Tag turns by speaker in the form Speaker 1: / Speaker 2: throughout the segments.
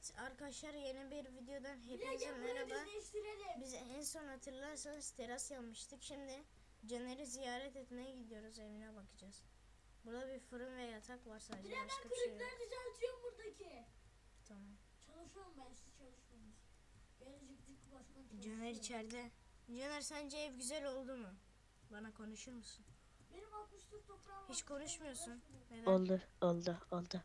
Speaker 1: Arkadaşlar yeni bir videodan hepinize merhaba. Biz en son hatırlarsanız teras yapmıştık. Şimdi Caner'i ziyaret etmeye gidiyoruz, evine bakacağız. Burada bir fırın ve yatak var sadece, başka bir şey yok.
Speaker 2: Kırıkları düzeltiyorum buradaki.
Speaker 1: Tamam.
Speaker 2: Çalışıyorum ben, siz çalışmıyorsunuz. Gelecektik başkan çalışıyor.
Speaker 1: Caner içeride. Caner, sence ev güzel oldu mu? Bana konuşur musun?
Speaker 2: Benim 64 toprağım var.
Speaker 1: Hiç konuşmuyorsun. Neden?
Speaker 3: Oldu.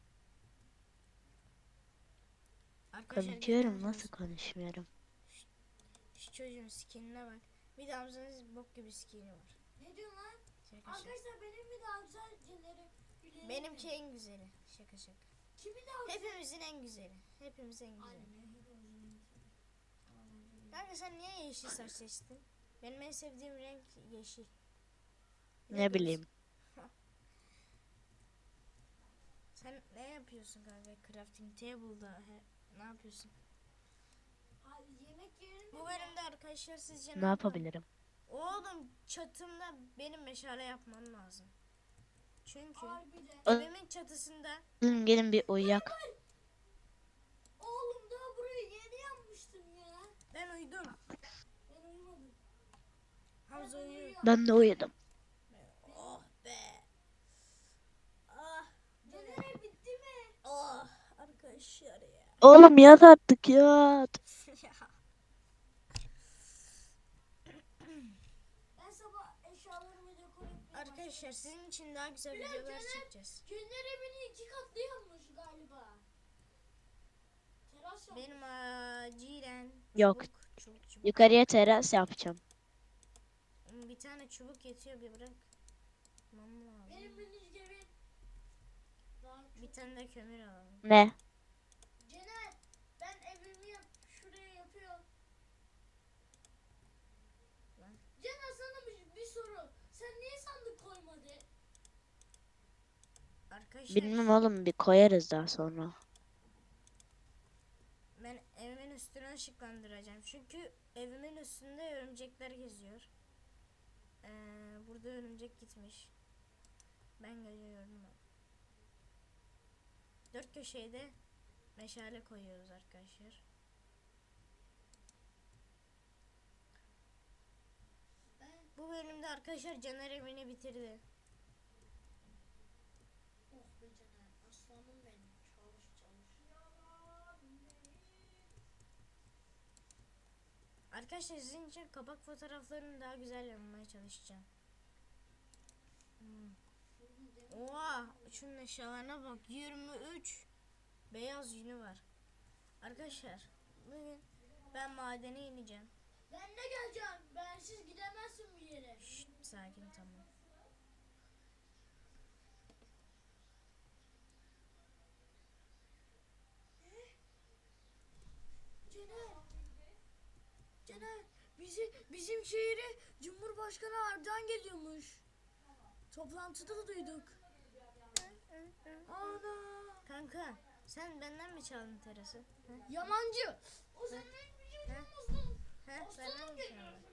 Speaker 1: Arkadaşlar
Speaker 3: Konuşuyorum, nasıl konuşmuyorum?
Speaker 1: Şu çocuğun skinine bak. Bir de Hamza'nın bok gibi skini var.
Speaker 2: Ne diyorsun lan?
Speaker 1: Şaka.
Speaker 2: Arkadaşlar benim mi daha güzel Caner'im?
Speaker 1: Benimki en güzeli. Şaka.
Speaker 2: Kimin daha güzel?
Speaker 1: Hepimizin en güzeli. Hepimizin en güzeli.
Speaker 2: Aynen, hepimizin en güzeli.
Speaker 1: Kanka sen niye yeşil saç seçtin? Benim en sevdiğim renk yeşil.
Speaker 3: Ne bileyim.
Speaker 1: Sen ne yapıyorsun kanka? Crafting table'da ne yapıyorsun?
Speaker 2: Abi yemek yerinde.
Speaker 1: Bu bölümde arkadaşlar sizce
Speaker 3: Ne yapabilirim?
Speaker 1: Oğlum çatımda benim meşale yapmam lazım. Çünkü
Speaker 2: Harbiden.
Speaker 1: evimin çatısında.
Speaker 3: Gelin bir uyuyak.
Speaker 2: Oğlum daha burayı yeni yapmıştım ya.
Speaker 1: Ben uyudum.
Speaker 2: Ben uyumadım.
Speaker 1: Hamza uyuyor.
Speaker 3: Ben de uyudum.
Speaker 1: Oh be. Ah.
Speaker 2: Caner bitti mi?
Speaker 1: Oh. Arkadaşlar ya.
Speaker 3: Oğlum yat artık, yat.
Speaker 2: Ben sabah eşyalarımı dekore etmeye
Speaker 1: Arkadaşlar sizin için daha güzel videolar çekeceğiz.
Speaker 2: Caner evini 2 katlı yapmış galiba. Teras yapmış.
Speaker 1: Benim acilen
Speaker 3: Yok.
Speaker 1: çubuk.
Speaker 3: Yukarıya teras yapacağım.
Speaker 1: Bir tane çubuk yetiyor, bir bırak. Lazım.
Speaker 2: Benim minicik evim.
Speaker 1: Bir tane de kömür alalım.
Speaker 3: Ne?
Speaker 2: Caner, ben evimi şuraya yapıyorum.
Speaker 1: Lan.
Speaker 2: Caner, sana bir soru. Sen niye sandık koymadın?
Speaker 1: Arkadaşlar
Speaker 3: Bilmem oğlum, bir koyarız daha sonra.
Speaker 1: ben evimin üstünü ışıklandıracağım. Çünkü evimin üstünde örümcekler geziyor. Burada örümcek gitmiş. Ben geliyorum. Dört köşeye de meşale koyuyoruz arkadaşlar. Bu bölümde arkadaşlar Caner evini bitirdi.
Speaker 2: Oh be Caner, aslanım benim. Çalış.
Speaker 1: Arkadaşlar sizin için kapak fotoğraflarını daha güzel yapmaya çalışacağım. Oha, şunun eşyalarına bak, 23 beyaz yünü var. Arkadaşlar bugün ben madene ineceğim.
Speaker 2: Ben de geleceğim. Bensiz gidemezsin bir yere.
Speaker 1: Şşt, sakin, tamam.
Speaker 2: Caner, bizim şehire Cumhurbaşkanı Erdoğan geliyormuş. Toplantıda duyduk. Ana.
Speaker 1: Kanka sen benden mi çaldın terası?
Speaker 2: Yamancı. O senin bilmiyorsun.
Speaker 1: Benden mi çaldın?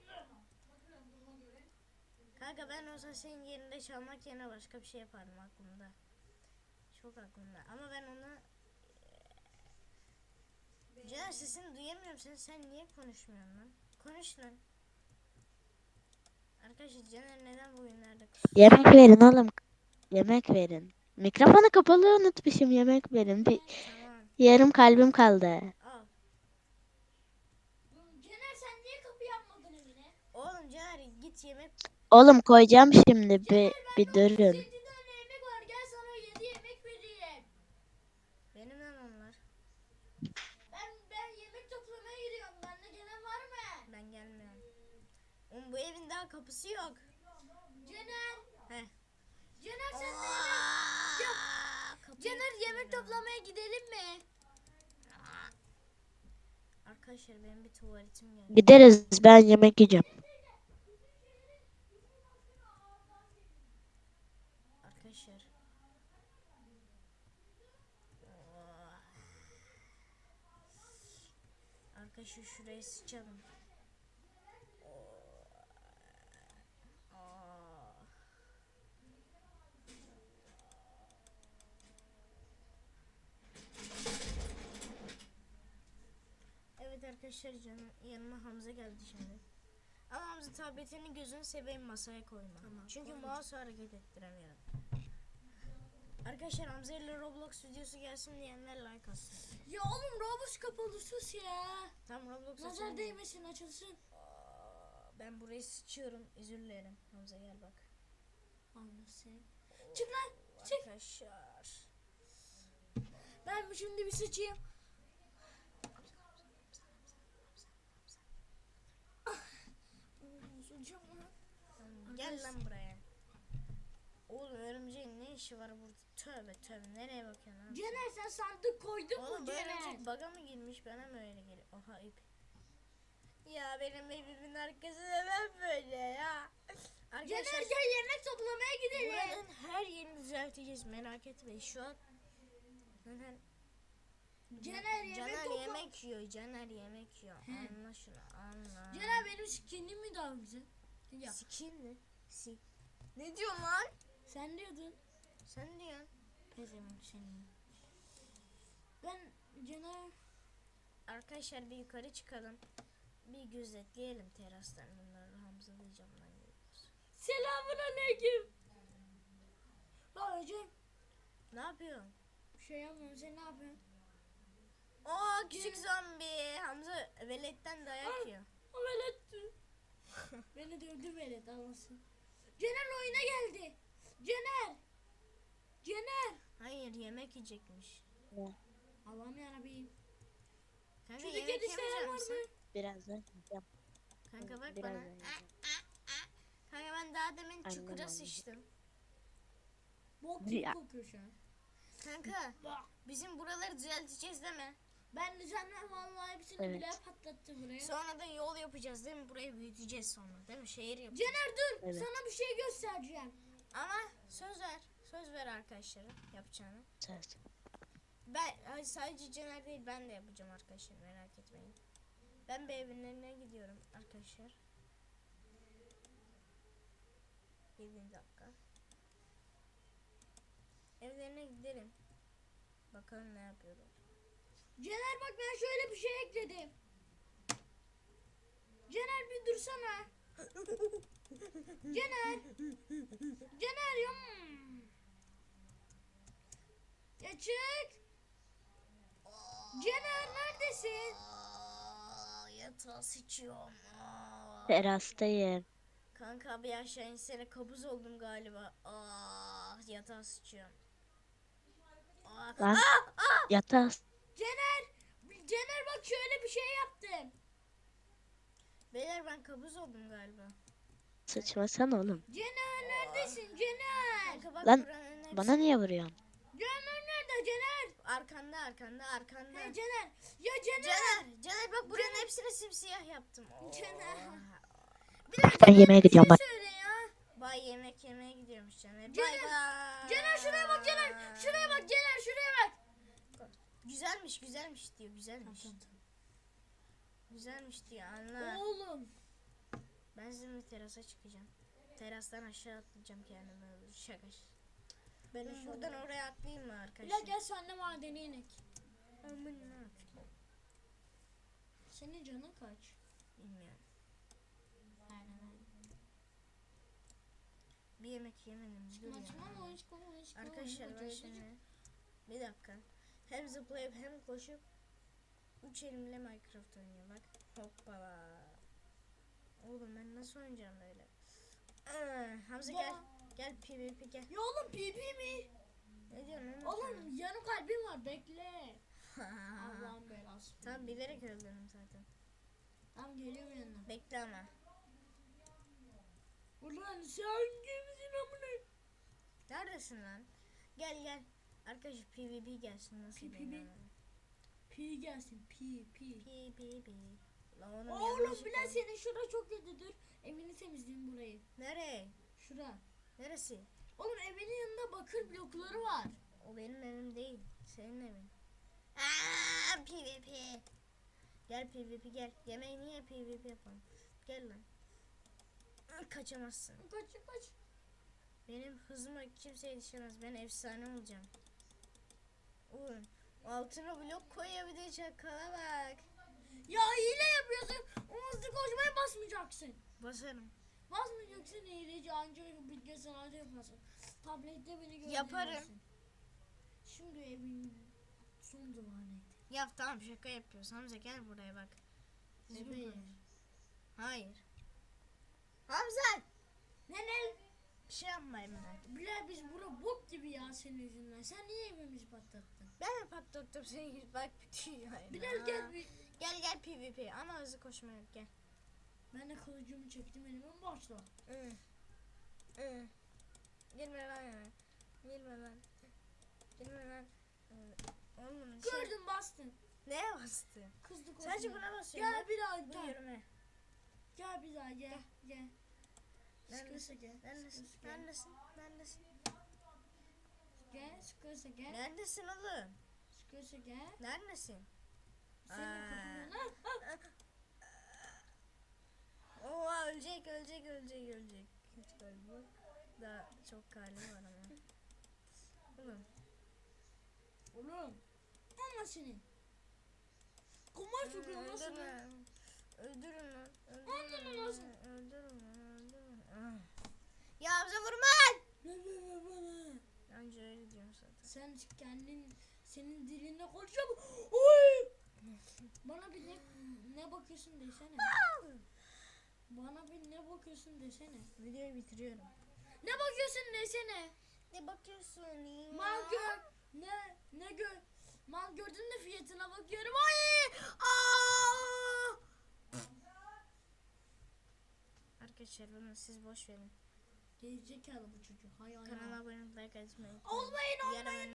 Speaker 1: Kanka ben olsa senin yerinde çalmak yerine başka bir şey yapardım, aklımda. Çok aklımda ama ben onu... Caner, sesini duyamıyorum, sen niye konuşmuyorsun lan? Konuş lan. Arkadaşlar Caner neden bugünlerde
Speaker 3: Yemek verin oğlum. Yemek verin. Mikrofonu kapalı unutmuşum, yemek verin. Bir
Speaker 1: Tamam.
Speaker 3: yarım kalbim kaldı.
Speaker 1: Al.
Speaker 2: Caner, sen niye kapı yapmadın evine?
Speaker 1: Oğlum Caner git yemek.
Speaker 3: Oğlum koyacağım şimdi,
Speaker 2: Caner,
Speaker 3: bir
Speaker 2: bende
Speaker 3: durun.
Speaker 2: 37 tane yemek var. Gel sana 7 yemek vereyim.
Speaker 1: Benim de onlar.
Speaker 2: Ben yemek toplamaya gidiyorum. Benimle gelen var mı?
Speaker 1: Ben gelmiyorum. Oğlum bu evin daha kapısı yok.
Speaker 2: Caner.
Speaker 1: Heh.
Speaker 2: Caner, sen de Caner, yemek toplamaya gidelim mi?
Speaker 1: Arkadaşlar benim bir tuvaletim geldi.
Speaker 3: Gideriz, ben yemek yiyeceğim.
Speaker 1: Arkadaşlar. Arkadaşlar şurayı sıçalım. Arkadaşlar canım yanıma Hamza geldi şimdi. Ama Hamza tabletini gözünü seveyim masaya koyma.
Speaker 2: Tamam,
Speaker 1: Çünkü
Speaker 2: koymayacağım.
Speaker 1: mouse hareket ettiremiyorum. Arkadaşlar Hamza ile Roblox videosu gelsin diyenler like atsın.
Speaker 2: Ya oğlum Roblox kapalı sus ya.
Speaker 1: Tamam Roblox
Speaker 2: Nazar
Speaker 1: açalım.
Speaker 2: değmesin açılsın.
Speaker 1: Ben burayı sıçıyorum. Özür dilerim. Hamza gel bak.
Speaker 2: Anlasın. Çık lan. Çık.
Speaker 1: Arkadaşlar.
Speaker 2: Ben şimdi bir sıçayım. Sıçacağım lan.
Speaker 1: Tamam, gel lan buraya. Oğlum örümceğin ne işi var burada? Tövbe tövbe nereye bakıyorsun lan?
Speaker 2: Cener sen sandık koydun
Speaker 1: Oğlum
Speaker 2: mu
Speaker 1: bu
Speaker 2: Cener?
Speaker 1: örümcek baga mı girmiş bana mı öyle geliyor? Oha ip. Ya benim evimin arkası neden böyle ya?
Speaker 2: Cener
Speaker 1: Arkadaşlar
Speaker 2: gel yemek toplamaya gidelim.
Speaker 1: buranın her yerini düzelteceğiz merak etmeyin şu an. Neden?
Speaker 2: Cener yemek
Speaker 1: Caner
Speaker 2: topla.
Speaker 1: yemek yiyor. Caner yemek yiyor.
Speaker 2: He.
Speaker 1: Anla şunu anla.
Speaker 2: Cener benim skinim mi daha güzel? Ya
Speaker 1: Skin mi? Ne diyorsun lan?
Speaker 2: sen diyordun.
Speaker 1: Sen diyorsun. Pezevenk seni.
Speaker 2: Ben Cener
Speaker 1: Arkadaşlar bir yukarı çıkalım. Bir gözetleyelim terastan bunları. Hamza diyeceğim lan geliyoruz.
Speaker 2: selamun aleyküm. Lan hocam
Speaker 1: Ne yapıyorsun?
Speaker 2: bir şey yapmıyorum sen ne yapıyorsun?
Speaker 1: Oo küçük zombi. Hamza veletten dayak yiyor.
Speaker 2: O veletti. Beni dövdü velet anlasın. Cener oyuna geldi. Cener. Cener.
Speaker 1: Hayır yemek yiyecekmiş.
Speaker 2: Allah'ım yarabbim.
Speaker 1: Kanka
Speaker 2: Çocuk
Speaker 1: yemek
Speaker 2: yedişleri
Speaker 1: yemeyecek
Speaker 2: var
Speaker 1: misin?
Speaker 2: mı?
Speaker 3: Birazdan yiyeceğim.
Speaker 1: Kanka bak
Speaker 3: Birazdan
Speaker 1: bana.
Speaker 3: yiyeceğim.
Speaker 1: Kanka ben daha demin
Speaker 3: Annem
Speaker 1: çukura
Speaker 3: aldı.
Speaker 1: sıçtım.
Speaker 2: Bok gibi
Speaker 3: Ya.
Speaker 2: kokuyor şu an.
Speaker 1: Kanka
Speaker 2: Bak.
Speaker 1: bizim buraları düzelteceğiz değil mi?
Speaker 2: Ben düzenler vallahi hepsini
Speaker 3: Evet.
Speaker 2: bile patlattım buraya.
Speaker 1: Sonra da yol yapacağız değil mi? Burayı büyüteceğiz sonra değil mi? Şehir yapacağız.
Speaker 2: Cener dur.
Speaker 3: Evet.
Speaker 2: Sana bir şey göstereceğim.
Speaker 1: Ama söz ver. Söz ver arkadaşlara yapacağını.
Speaker 3: Söz.
Speaker 1: Ben sadece Caner değil ben de yapacağım arkadaşlar merak etmeyin. Ben bir evlerine gidiyorum arkadaşlar. 7 dakika. Evlerine gidelim. Bakalım ne yapıyorlar.
Speaker 2: Cener bak ben şöyle bir şey ekledim. Cener bir dursana. Cener. Cener ya. Ya çık. Cener neredesin?
Speaker 1: Yatağa sıçıyorum.
Speaker 3: Terastayım.
Speaker 1: Kanka bir aşağı insene kabuz oldum galiba. Yatağa sıçıyorum.
Speaker 3: Lan yatağa
Speaker 2: Cener. Cener bak şöyle bir şey yaptım.
Speaker 1: Beyler ben kabuz oldum galiba.
Speaker 3: sıçmasan oğlum.
Speaker 2: Cener neredesin Cener?
Speaker 1: Kanka bak
Speaker 3: Lan,
Speaker 1: buranın hepsi-
Speaker 3: Bana niye vuruyorsun?
Speaker 2: Cener nerede Cener?
Speaker 1: Arkanda.
Speaker 2: He Cener. Ya Cener.
Speaker 1: Caner bak buranın hepsini simsiyah yaptım.
Speaker 2: Cener.
Speaker 3: Ben yemeğe gidiyorum bak.
Speaker 2: Söyle ya.
Speaker 1: Bay yemek yemeye gidiyormuş Caner.
Speaker 2: Cener,
Speaker 1: Bay bay.
Speaker 2: Cener şuraya bak Cener. Şuraya bak Cener şuraya bak.
Speaker 1: Güzelmiş diyor güzelmiş. Güzelmiş diyor anla.
Speaker 2: Oğlum.
Speaker 1: Ben sizinle terasa çıkacağım. Terastan aşağı atlayacağım kendimi öldür. Şaka. Ben buradan oraya atlayayım mı
Speaker 2: Bilal
Speaker 1: arkadaşlar?
Speaker 2: gel senle madene inek.
Speaker 1: Aman ne yapayım?
Speaker 2: Senin canın kaç?
Speaker 1: Bilmiyorum.
Speaker 2: Aynen.
Speaker 1: Bir yemek yemedim. Dur ya. Arkadaşlar ben şimdi bir dakika. Hem zıplayıp hem koşup 3 elimle Minecraft oynuyor bak. Hoppala. Oğlum ben nasıl oynayacağım böyle? Hamza gel. Gel PvP gel.
Speaker 2: Ya oğlum PP mi?
Speaker 1: Ne diyorsun lan?
Speaker 2: Oğlum yarım kalbim var bekle. Allah'ın belası.
Speaker 1: Tamam bilerek öldürdüm zaten.
Speaker 2: Tamam geliyorum yanına.
Speaker 1: Bekle ama.
Speaker 2: Ulan sen kimsin amına?
Speaker 1: Neredesin lan? Gel. Arkadaşlar PvP gelsin nasıl
Speaker 2: PvP?
Speaker 1: bilmiyorum.
Speaker 2: P gelsin P.
Speaker 1: PvP. Lan onun
Speaker 2: Oğlum
Speaker 1: yanlış
Speaker 2: Bilal
Speaker 1: oldu.
Speaker 2: senin şura çok kötü dur. Evini temizleyeyim burayı.
Speaker 1: Nereye?
Speaker 2: Şura.
Speaker 1: Neresi?
Speaker 2: Oğlum evinin yanında bakır blokları var.
Speaker 1: O benim evim değil. Senin evin. PvP. Gel PvP gel. Yemeği niye PvP yapalım? Gel lan. Kaçamazsın.
Speaker 2: Kaç.
Speaker 1: Benim hızıma kimse yetişemez. Ben efsane olacağım. Oğlum altına blok koyabilecek çakala bak.
Speaker 2: Ya hile yapıyorsun. O hızlı koşmaya basmayacaksın.
Speaker 1: Basarım.
Speaker 2: Basmayacaksın hileci anca bilgisayarda yaparsın. Tablette beni görebilirsin.
Speaker 1: Yaparım.
Speaker 2: Şimdi evin son duvarı.
Speaker 1: Ya tamam şaka yapıyoruz. Hamza gel buraya bak. Düzgün
Speaker 2: Evet.
Speaker 1: konuş. Hayır. Hamza!
Speaker 2: Ne?
Speaker 1: Bir şey yapma Emine.
Speaker 2: Bile biz bura bok gibi ya senin yüzünden. Sen niye evimizi patlattın?
Speaker 1: Ben mi patlattım seni? Bak bitiyor.
Speaker 2: Bilal gel bir.
Speaker 1: Gel PvP ama hızlı koşma yok gel.
Speaker 2: Ben de kılıcımı çektim elime başla.
Speaker 1: Girme lan ya. Girme lan. Girme lan. Oğlum
Speaker 2: Gördüm bastın.
Speaker 1: Neye bastı?
Speaker 2: Kızdı koşma.
Speaker 1: Sadece buna basıyorum.
Speaker 2: Gel bir daha
Speaker 1: Bu
Speaker 2: gel.
Speaker 1: yürüme.
Speaker 2: Gel bir daha gel. Gel.
Speaker 1: Neredesin?
Speaker 2: Sıkırsa gel.
Speaker 1: Neredesin?
Speaker 2: Sıkırsa gel.
Speaker 1: Neredesin? Neredesin?
Speaker 2: Gel sıkırsa gel.
Speaker 1: Neredesin oğlum?
Speaker 2: Sıkırsa gel.
Speaker 1: Neredesin?
Speaker 2: Senin kapının
Speaker 1: Oha ölecek. Hiç galiba. Daha çok kalbi var ama. Oğlum.
Speaker 2: Oğlum. Ama senin. Kumar sokuyor nasıl?
Speaker 1: Öldürün lan.
Speaker 2: Öldürün nasıl?
Speaker 1: Öldürün. Ya bize vurma.
Speaker 2: Ne?
Speaker 1: Anca öyle diyorum zaten.
Speaker 2: Sen senin dilinle konuşuyor mu? Oy! Bana bir ne bakıyorsun desene. Bana bir ne bakıyorsun desene.
Speaker 1: Videoyu bitiriyorum.
Speaker 2: Ne bakıyorsun desene.
Speaker 1: Ne bakıyorsun ya?
Speaker 2: Mal gör. Ne gör. Mal gördün de fiyatına bakıyorum. Ay! Aa!
Speaker 1: Arkadaşlar bunu siz boş verin.
Speaker 2: Gerizekalı bu çocuk. Hay hay.
Speaker 1: Kanala abone olmayı, like atmayı.
Speaker 2: Olmayın.
Speaker 1: Yarın